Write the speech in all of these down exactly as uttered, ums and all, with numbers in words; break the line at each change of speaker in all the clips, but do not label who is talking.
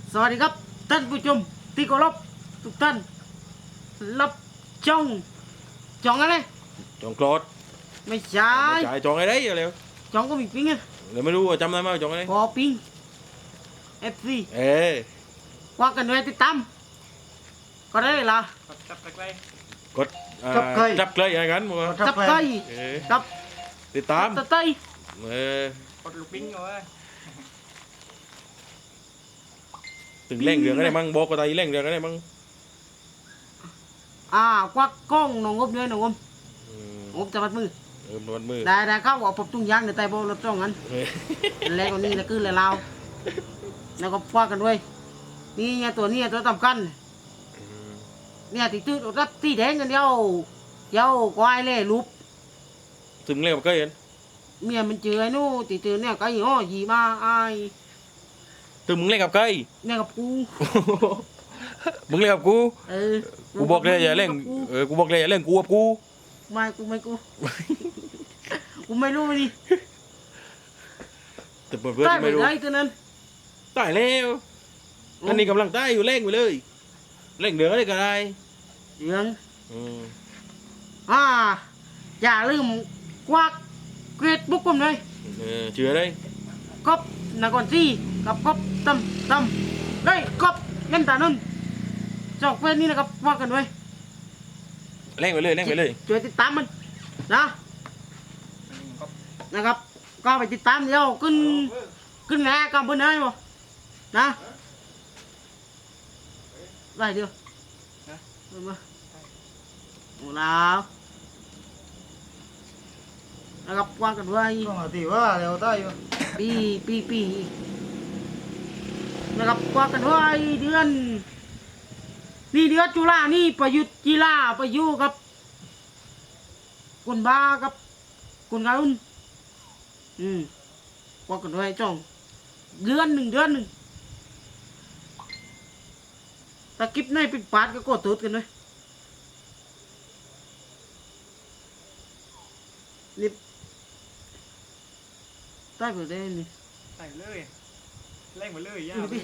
สวัสดีครับท่านผู้ชมที่เคารพทุกท่านรับจ้องจ้องอะไร
จองโกรธ
ไม่ใช่
ไม่จ่ายจองอะไรเร็ว
จ้องก็มีปิ้งไง
เดี๋ยวไม่รู้ว่าจำได้ไหมว่าจองอะไร
พอปิ้งเอฟซี
เอ๊ะ
ว่ากันไว้ติดตามก็ได้ละ
จับตะไคร้
กดอ่า
จับเคย
จับเคยอะไรกันมั้ง
จับไก่
เอ๊ะ
จับ
ติดตาม
ตะไคร้
เออก
ดลูกปิ้งเอาไว้
ถึงเร่งเรื่องอะไรมั่งบอกก็ตายเร่งเรื่องอะไรมั่ง
อ่าควักกล้องหนองงบเลยหนองงบ
อืม
งบจะมัดมือ
เออมันมือ
ได้ได้เข้าว่าผมตุ้งยางในใต้โบรถจ้องกัน
เอ๊ะ
แล้วก็นี่แล้วคือแล้วเราแล้วก็ควักกันด้วยนี่ไงตัวนี้ตัวสำคัญ
อืม
เนี่ยติดตื้อรับที่แดงกันเดียวเดียวควายเล่รูป
ถึงเร่งมาเคยเห็น
เมียมันเจอไอ้นู่นติดเจอเนี่ยก็ยี่ห้อยีมาไอ้
ถึงมึงเล่นกับเคย
เนี่ยกับกู
มึงเล่นกับกู
เออ
กูบอกเลยอย่าเล่นเออกูบอกเลยอย่าเล่นกูกับกู
ไม่กูไม่กูกูไม่รู้มันดิ
แต่เพื่อน
ได้
ๆ
ไป
ไม่รู้
ได้ตัวนั้น
ตายแล้วอันนี้กำลังตายอยู่เร่งไปเลยเร่งเดือดอะไรก็ได้
เดือง
อืม
อ่าอย่าลืมควักเกรดบุ๊กผมเลย
เออเชื่อได้
กบนักก่อนซี่กับกบตั้มตั้มเฮ้ยกบเล่นตานุ่นจอกเวทนี่นะครับว่ากันไว้
เร่งไปเลยเร่งไปเลย
ช่วยติดตามมันนะ
ก็
นะครับ ก็ไปติดตามเดี๋ยวขึ้นขึ้นแง่กับเพื่อนได้บ่นะได้เดียวนะมาโอ้แล้วนะครับว่ากันไว้
ก็มาตีว่าเร็วได้อยู่
ปีปีปีนะครับว่ากันไว้เดือนนี่เดือนจุฬานี่ประยุทธ์กีฬาประยุทธ์กับคนบ้ากับคนงารุ่นอืมว่ากันไว้จ้องเดือนหนึ่งเดือนหนึ่งตะกิบในเป็นปาดก็โกดตูดกันเลยนี่ได้เปิดได้นี่
ใส่เลยเร่งมาเลยย่า
ดูดิ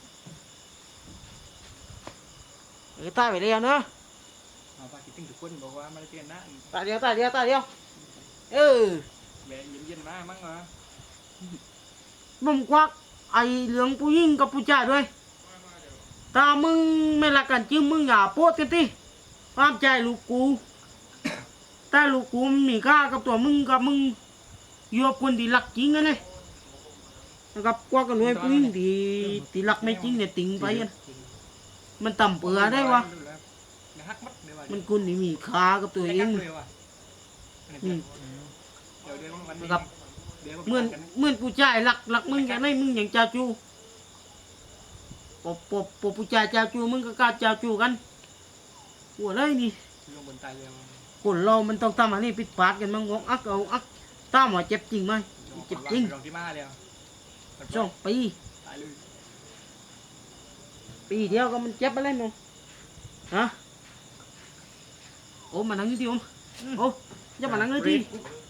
เออตายไปแล้วเนาะ
เอาไปคิดถึงทุกคนบอกว่ามาเจอหน้า
ตายเดียวตายเดียวตายเดียวเออ
แบะเย็นๆมามั่งเหรอ
มึงควักไอเหลืองผู้หญิงกับผู้ชายด้วยถ้ามึงไม่รักกันจริงมึงอย่าโพสกันติห้ามใจลูกกูถ้าลูกกูมันมีค่ากับตัวมึงกับมึงอยู่กับคนที่รักจริงกันเลยนะครับควักกันด้วยผู้หญิงที่ที่รักไม่จริงเนี่ยติงไปกันมันต่ำเปื่อได้วะ
หักมัดเดี๋ยว
มันคนที่มีค่ากับตัวเอง อืม
เดี๋ยวเดี๋ยววัน
นะครับเหมือนเหมือนผู้ชายหลักหลักมึงอย่างไรมึงอย่างเจ้าจูปบปบปบผู้ชายเจ้าจูมึงก็กล้าเจ้าจูกันหัวเลยนี่
ลงบนตายเร็ว
คนเรามันต้องทำอันนี้ผิดพลาดกันมั้งงอกอักเอาอักตามว่าเจ็บจริงไหมเจ็บจริง
ลงที่มาเร็ว
สองปี
ตายเลย
ปีเดียวก็มันเจ็บไปแล้วมั้งฮะโอ้มานั่งนี่ทีโอมโอ้อย่ามานั่งเลยที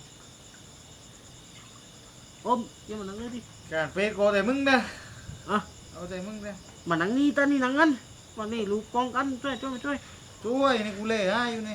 โอมอย่ามานั่งเลยที
การเฟซโกแต่มึงนะ
อ่ะ
เอาแต่มึงนะ
มานั่งนี่ตานี่นั่งกันวันนี้ลูกป้องกันช่วยช่วยช่วย
ช่วยนี่กูเล่ให้อยู่นี่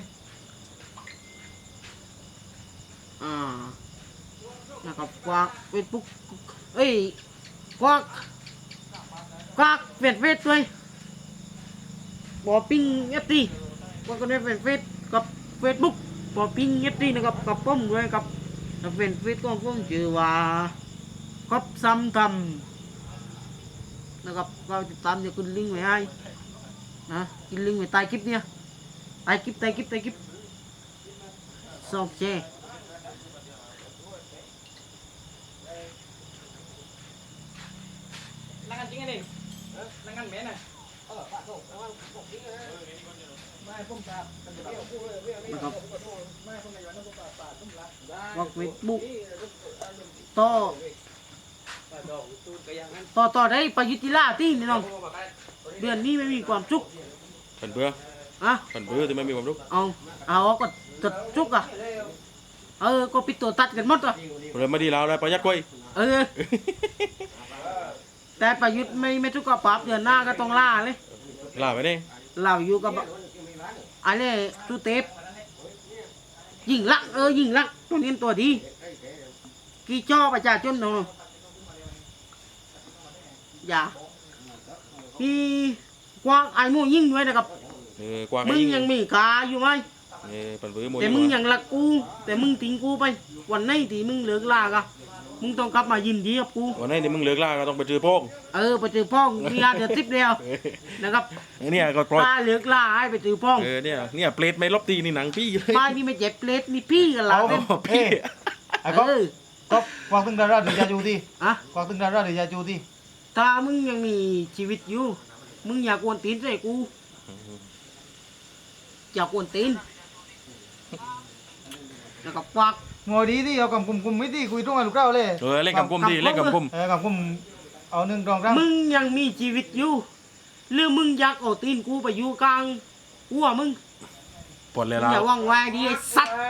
อ่านะครับกวากเฟซบุ๊กเอ้ยกวากกวากเฟซเฟซด้วยบอปิ้งเอฟซีกวากกันด้วยเฟซเฟซกับเฟซบุ๊กบอปิ้งเอฟซีนะครับกับผมด้วยกับเฟซเฟซของผมชื่อว่าครบซ้ำทำนะครับก็ติดตามจะขึ้นลิงก์ไว้ให้นะขึ้นลิงก์ไว้ใต้คลิปเนี่ยใต้คลิปใต้คลิปใต้คลิปสองแชร์
นั่งกันจริงไงนี่นั่งกันแม่น่ะไม่พุ่มตา
นะครับว่าเฟซบุ๊กต่อต่อต่อได้ประยุทธ์กีฬาที่นี่น้องเดือนนี้ไม่มีความสุข
ผันเบื่อ
อะ
ผันเบื่อที่ไม่มีความรู้
เอาเอาก็ตัดสุกอ่ะเออก็ปิดตัวตัดกันหมดอ่ะ
เราไม่ดีแล้วเลยประหยัดกล้วย
เออแต่ประยุทธ์ไม่ไม่ทุกข์กับปรับเดือนหน้าก็ต้องล่าเลย
ลาไปนี่
เราอยู่กับอะไรสุเทพยิงลักษณ์เออยิงลักษณ์ตัวนี้ตัวดีกี่จ่อประชาชนเนาะอย่าพี่กวางไอ้หมูยิงด้วยนะครับ
เออกวาง
มึงยังมีกาอยู่ไหม
เออปันปื้อโม
แต่มึงยังรักกู แต่มึงทิ้งกูไป วันไหนที่มึงเลิกลากะมึงต้องกลับมายินดีกับกู
วันนี้นี่มึงเลิกล่าก็ต้องไปจื้อโป้ง
เออไปเจอพ่องมียาเดือดทิพย์เดียวนะครับ
เออเนี่ยก็ปล่อย
ป้าเลิกลาให้ไปเจอพ่อง
เออเนี่ยเนี่ยเปรตไม่ลบตีนี่หนังพี่เลย
ป้านี่ไม่เจ็บเปลดนี่พี่กันละ
อ๋อ
เนี่ย
พี่
ไอ้ก๊อฟ
เออ
ก๊อฟกวางตึงดาราหรือยาจูที่
อะ
กวางตึงดาราหรือยาจูที่
ถ้ามึงยังมีชีวิตอยู่ มึงอย่ากวนตีนใส่กู อย่ากวนตีนแล้วก็ควัก
งอดีที่เอากำกุมกุมไม่ที่คุยตรงกับลูกเก้าเลย
เออเล่นกับกุมดิเล่นกับกุม
เออกำกุมเอาหนึ่งรองร่าง
มึงยังมีชีวิตอยู่หรือมึงอยากเอาตีนกูไปอยู่กลางหัวมึง
ปวดเลย
มึง
เรา
อย่าว่างไวดิไอ้สัตว์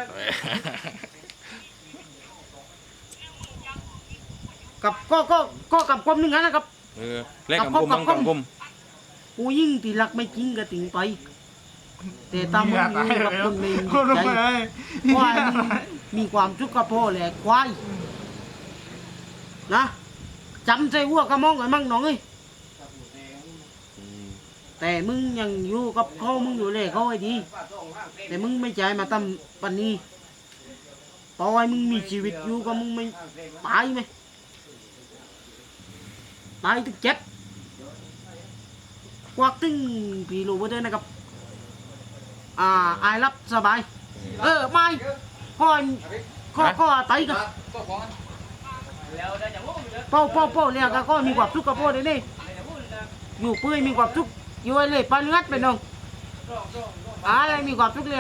กับก็ก็ก็กับกลมหนึ่งนั้นนะครับ
เออเล่นกับกุมมั่งกับกุม
กูยิ่งตีรักไม่จริงก็ติงไป แต่ตามมึงอยู่กับคนไม่มี
คน
ใจ
ไม่ได้
ควายมึงมีความทุกข์กับพ่อแหละควายนะจำใจวัวกระมองไอ้มั่งน้องเอ้ย
อืม
แต่มึงยังอยู่กับเขามึงอยู่เลยเขาไอ้ดี แต่มึงไม่ใจมาทำปันนี้ต่อให้มึงมีชีวิตอยู่ก็มึงไม่ตายไหมตายตึกเจ็บควักตึงพี่รู้ไว้ด้วยนะครับ อ่าอายรับสบาย เออไม่ข้อข้อข้อไตกันเป้าเป้าเป้าเนี่ยก็มีความสุขกับพ่อเลยนี่อยู่เปื่อยมีความสุขอยู่ไอ้เลยปานงัดไปน้องอะไรมีความสุขเลย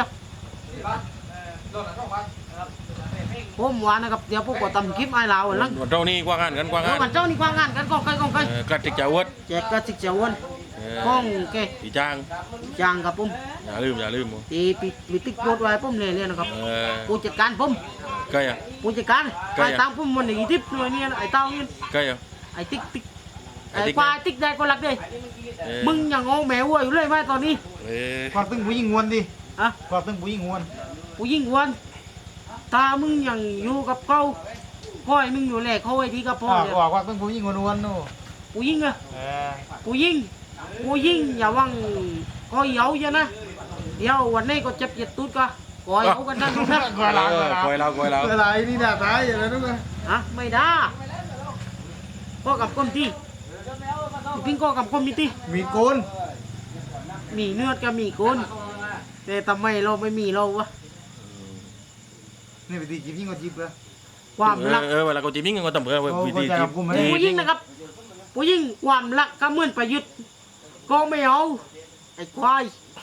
ผมว่านะครับเดี๋ยวพวกก็ทำคลิปไอ้ลาวหลัง
วันเจ้านี่กว้างงานกันกว้าง
เออง
าน
วันเจ้านี่กว้างงานกันกองไก่กองไก่
เออกระติกจะอวด
แจกกระสิกเจ้าวัน
เออก
องแก
อีจ้าง
จางกับผม
อย่าลืมอย่าลืม
ตีปิดปิดติ๊กโพดไว้ผมเลยเนี่ยนะครับ
เออ
ผู้จัดการผม
ใกล้อ่ะ
ผู้จัดการ
ใกล้
ไป
อะ
ตามผมวันนี้ทิพย์หน่วยเนี่ยไอ้เต้าเนี่ย
ใกล้อ่ะ
ไอ้ติ๊กติ๊ก
ไอ้
ไอ้
ติ๊ก
ควายติ๊กได้ก็รักเลย
เออ
มึงยังงงแมววัวอยู่เลยไหมตอนนี้
เออก
วางตึงผู้หญิงงวนดิ
อะ
กวางตึงผู้หญิงงวน
ผู้ยิ่งวันถ้ามึงยังอยู่กับเขาพ่อยมึงอยู่แหลกเขาไอ้ที่กับพ่อ
อ่า
เลย
กวางกวางตึงผู้หญิงงวนงวนโน่
ผู้ยิ่งอะ
เออ
ผู้ยิ่งผู้ยิ่งอย่าวังก็เหยาเยอะนะเดี๋ยววันนี้ก็เจ็บเจ็บตุ๊ดก็กอยเอากันนั่นนะ
กวางเรา
เออคอยเราคอยเรา
อะไรนี่ด่าตายอย่างนั้นด้วย
ฮะไม่ได้ก็กับก้มที่พิงก็กับก้มมีที่
มีโกน
มีเนื้อก็มีโกนแต่ทำไมเราไม่มีเราวะ
นี่ไปตีจีบยิ่งกว่าจีบเลย
ความรัก
เออเวลาเขาจีบยิ่งก็ต้องเปิดวิธี
โอ้
จีบ
เข้าใจครับผมไม่
ผู้หญิงนะครับผู้หญิงความรักก็เหมือนประยุทธ์ก็ไม่เอาไอ้ควาย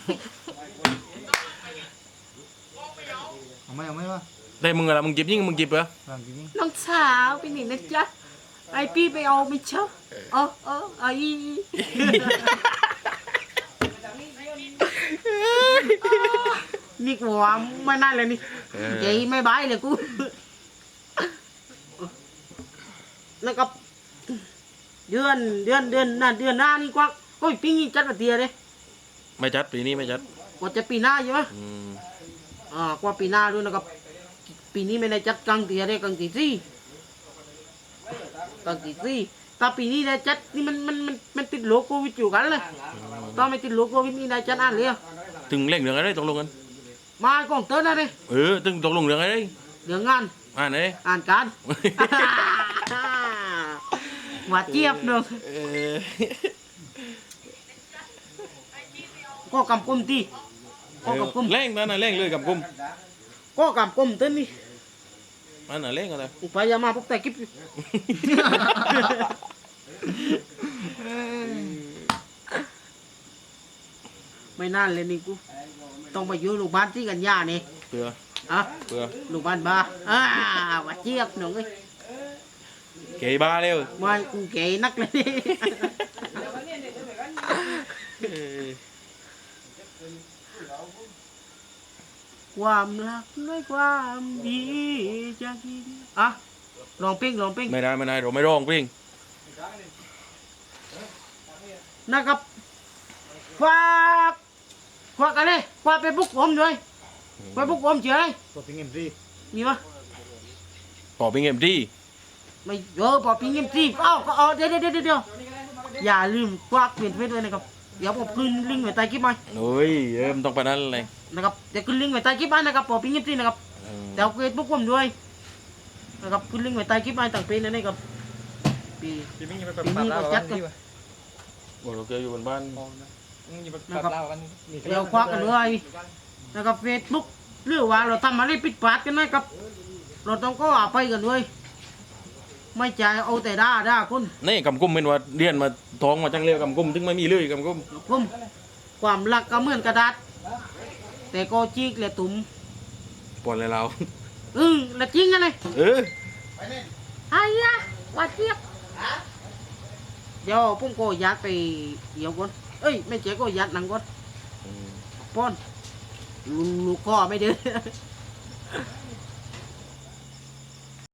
เอาไม่เอาไม่วะ
แต่มึงอะไรมึงจีบยิ่งมึงจีบเหรอ
หลังจีบยิ่ง
น้องสาวไปไหนนะจ๊ะไอพี่ไปเอาไม่เชอบเออเออไอนี่กูว่าไม่น่าเลยนี่ใจไม่บายเลยกูนะครับเดือนเดือนเดือนหน้าเดือนหน้านี่กว่าก็อีกปีนี้จัดมาเตียเลย
ไม่จัดปีนี้ไม่จัด
กว่าจะปีหน้าใช่ไหม
อืม
อ่ากว่าปีหน้าด้วยนะครับปีนี้ไม่ได้จัดกลางเตียเลยกลางตีสี่กลางตีสี่ถ้าปีนี้ได้จัดนี่มันมันมันมันติดโรคโควิดอยู่กันเลยตอนไม่ติดโรคโควิดนี่ได้จัดอ่านเลยอะ
ถึงเล่งเรื่องอะไรตกลงกัน
มากองเตือนอะไร
เออถึงตกลงเรื่องอะไร
เรื่องงาน
อ่านไหน
อ่านการ หวาดเจี๊ยบเนอะ
เออ
ก็กำกุมที่ก็กำกุม
เล่งมันน่ะเล่งเลยกับกุม
ก็กำกุมเตือนนี่
มันน่ะเล่งอะไร
อุปยามาพบแต่กิ๊บไม่นานเลยนี่กูต้องไปอยู่โรงพยาบาลที่กันยานี่
เผื่อ
อ่ะ
เผื่อ
โรงพยาบาลบ้าอ่าหวาดเจี๊ยบหนูเอ้ย
เกย์บ้าเร็ว
มากูเก๋นักเลยนี่
เออ
ความรักด้วยความดีจะกินอ่ะลองเป้งลองเป้ง
ไม่ได้ไม่ได้เราไม่ร้องเพลง
นะครับฝากฝากอะไรฝากไปบุกผมด้วยไปบุกผมเฉย
ตัวเป็นเงินรี
มีปะ
ปอเป็นเอ็มดี
ไม่เออพอพิงเงินซีเอ้าก็เอาเดี๋ยวเดี๋ยวเดี๋ยวเดี๋ยวอย่าลืมฝากเปลี่ยนเฟซด้วยนะครับเดี๋ยวผมขึ้นลิงก์ไว้ใต้คลิปไหม
โอ้ยเออมันต้องไปนั่นเลย
นะครับเดี๋ยวขึ้นลิงก์ไว้ใต้คลิปไหมนะครับพอพิงเงินซีนะครับ
เออ
แต่เอาเฟซบุ๊กผมด้วยนะครับขึ้นลิงก์ไว้ใต้คลิปไหมต่างเพจนั่นเองครับปี
พี่มิ่งจะไป
ปีนี้ก็จัดกัน
บอกเราเจออยู่บนบ้าน
นะครับเดี๋ยวควักกันด้วยนะครับเฟซบุ๊กหรือว่าเราทำอะไรผิดพลาดกันไหมครับเราต้องก็อาไปกันด้วยไม่ใจายเอาแต่ด่าด่าคน
นี่กำกุ้มเป็นว่าเรียนมาท้องมาจังเร็วกำกุ้มถึงไม่มีเลยกำกุ้ม
ผมความรักก็เหมือนกระดาษแต่ก็จีกและตุ่ม
ปวดเลยเรา
อืมและจริงกันเลย
เออ
ไอ้ยะว่าเจี๊ยบเดี๋ยวผมก็ยัดไปเดี๋ยวก่อนเอ้ยไม่เจ๊ก็ยัดหนังก่อนป้อนลูกคอไม่เดือ